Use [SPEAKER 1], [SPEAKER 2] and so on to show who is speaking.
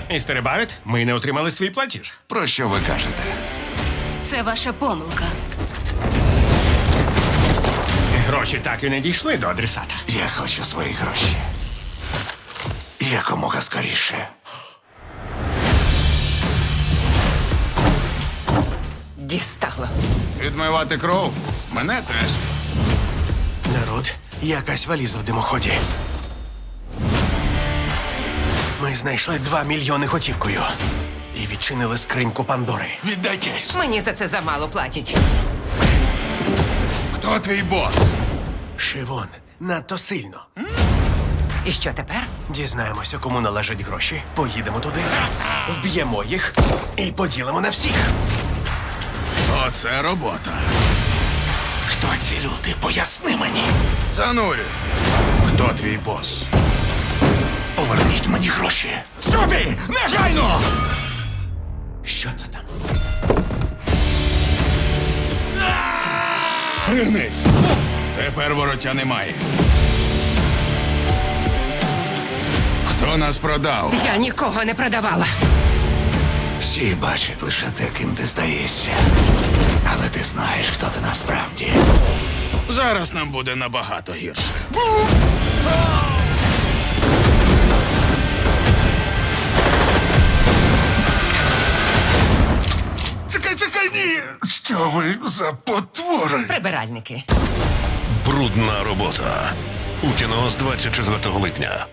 [SPEAKER 1] Містере Барет, ми не отримали свій платіж.
[SPEAKER 2] Про що ви кажете?
[SPEAKER 3] Це ваша помилка.
[SPEAKER 1] Гроші так і не дійшли до адресата.
[SPEAKER 2] Я хочу свої гроші. Якомога скоріше.
[SPEAKER 3] Дістало.
[SPEAKER 2] Відмивати кров? Мене теж.
[SPEAKER 4] Народ, якась валіза в димоході. Ми знайшли 2 мільйони готівкою. І відчинили скриньку Пандори.
[SPEAKER 2] Віддайтесь.
[SPEAKER 3] Мені за це замало платять.
[SPEAKER 2] Хто твій бос?
[SPEAKER 4] Шивон, надто сильно.
[SPEAKER 3] І що тепер?
[SPEAKER 4] Дізнаємося, кому належать гроші. Поїдемо туди, вб'ємо їх і поділимо на всіх.
[SPEAKER 2] Оце робота.
[SPEAKER 4] Хто ці люди? Поясни мені.
[SPEAKER 2] Занурю. Хто твій бос?
[SPEAKER 4] Поверніть мені гроші.
[SPEAKER 2] Сюди! Негайно!
[SPEAKER 4] Що це там?
[SPEAKER 2] Пригнись! Тепер вороття немає. Хто нас продав?
[SPEAKER 3] Я нікого не продавала.
[SPEAKER 2] Всі бачать лише те, ким ти здаєшся. Але ти знаєш, хто ти насправді. Зараз нам буде набагато гірше. Чекай, ні! Що ви за потвори?
[SPEAKER 3] Прибиральники.
[SPEAKER 5] Брудна робота. У кіно з 24 липня.